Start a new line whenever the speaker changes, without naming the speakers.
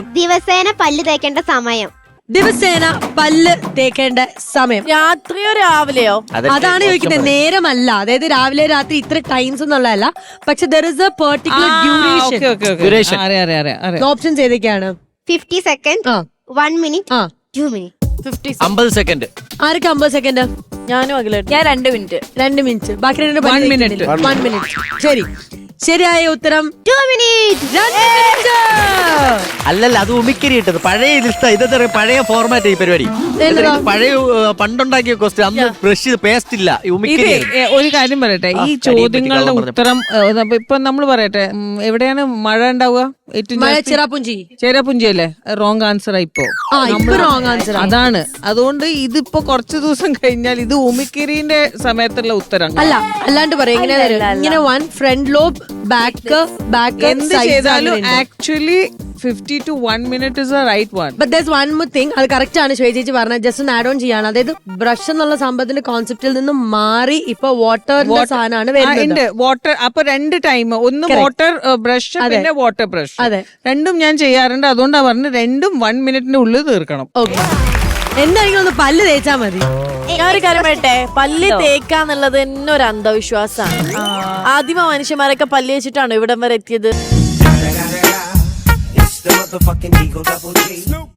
ദിവസേന പല്ല് തേക്കേണ്ട സമയം.
ദിവസേന പല്ല് തേക്കേണ്ട സമയം
രാത്രിയോ രാവിലെയോ?
അതാണ് ചോദിക്കുന്നത്. നേരമല്ല, അതായത് രാവിലെ രാത്രി ഇത്ര ടൈംസ് എന്നുള്ളതല്ല, പക്ഷെ there is a particular duration. Options ഏതൊക്കെയാണ്?
50 സെക്കൻഡ്, 1 മിനിറ്റ്, 2 മിനിറ്റ്.
50 സെക്കൻഡ്.
ആർക്ക് 50 സെക്കൻഡ്?
ഞാനും അഖിലേട്ടൻ. ഞാൻ 2 മിനിറ്റ്.
2 മിനിറ്റ്. ബാക്കി 1 മിനിറ്റ്. 1 മിനിറ്റ്. ശരി, ശരിയായ ഉത്തരം
2 മിനിറ്റ്.
2 മിനിറ്റ്.
അല്ലല്ല, അത് ഉമിക്കരി ഇട്ടത് പഴയ ലിസ്റ്റ്. ഇതെന്താ പഴയ ഫോർമാറ്റ് ഈ പരിപാടി. പഴയ പണ്ടുണ്ടാക്കിയ ക്വസ്റ്റ്യൻ. അന്ന് ബ്രഷ് പേസ്റ്റ് ഇല്ല, ഉമിക്കരി.
ഒരു കാര്യം പറയട്ടെ, ഈ ചോദ്യങ്ങളുടെ ഉത്തരം ഇപ്പൊ നമ്മൾ പറയട്ടെ, എവിടെയാണ് മഴ ഉണ്ടാവുക? ചേരാപുഞ്ചി അല്ലേ? റോങ് ആൻസർ ഇപ്പോ. അതാണ്. അതുകൊണ്ട് ഇതിപ്പോ കുറച്ചു ദിവസം കഴിഞ്ഞാൽ ഇത് ഉമിക്കരിന്റെ സമയത്തുള്ള ഉത്തരം
അല്ല. അല്ലാണ്ട് പറയാം ഇങ്ങനെ 1 ഫ്രണ്ട് ലോബ്, ബാക്ക്
എന്ത് ചെയ്താലും actually 50 to 1 minute is the right one.
But there's one more thing. അത് കറക്റ്റ് ആണ് ശ്വേതേച്ചി പറഞ്ഞത്. ജസ്റ്റ് ഒന്ന് ആഡ് ഓൺ ചെയ്യാണ്. അതായത് ബ്രഷ് എന്നുള്ള സംഭവത്തിന്റെ കോൺസെപ്റ്റിൽ നിന്ന് മാറി ഇപ്പൊ വാട്ടറിന്റെ സാധനമാണ് വരുന്നത്.
വാട്ടർ. അപ്പൊ 2 ടൈം, ഒന്ന് വാട്ടർ ബ്രഷ്, പിന്നെ വാട്ടർ ബ്രഷ്. രണ്ടും ഞാൻ ചെയ്യാറുണ്ട്. അതുകൊണ്ടാണ് പറഞ്ഞത് രണ്ടും 1 മിനിറ്റിന്റെ ഉള്ളിൽ തീർക്കണം.
ഓക്കെ, എന്താണെങ്കിലും ഒന്ന് പല്ല് തേച്ചാ മതി.
ഞാനൊരു കാര്യം പറയട്ടെ, പല്ല് തേക്കാന്നുള്ളത് തന്നെ ഒരു അന്ധവിശ്വാസമാണ്. ആദിമ മനുഷ്യന്മാരൊക്കെ പല്ല് വെച്ചിട്ടാണോ ഇവിടം വരെ എത്തിയത്?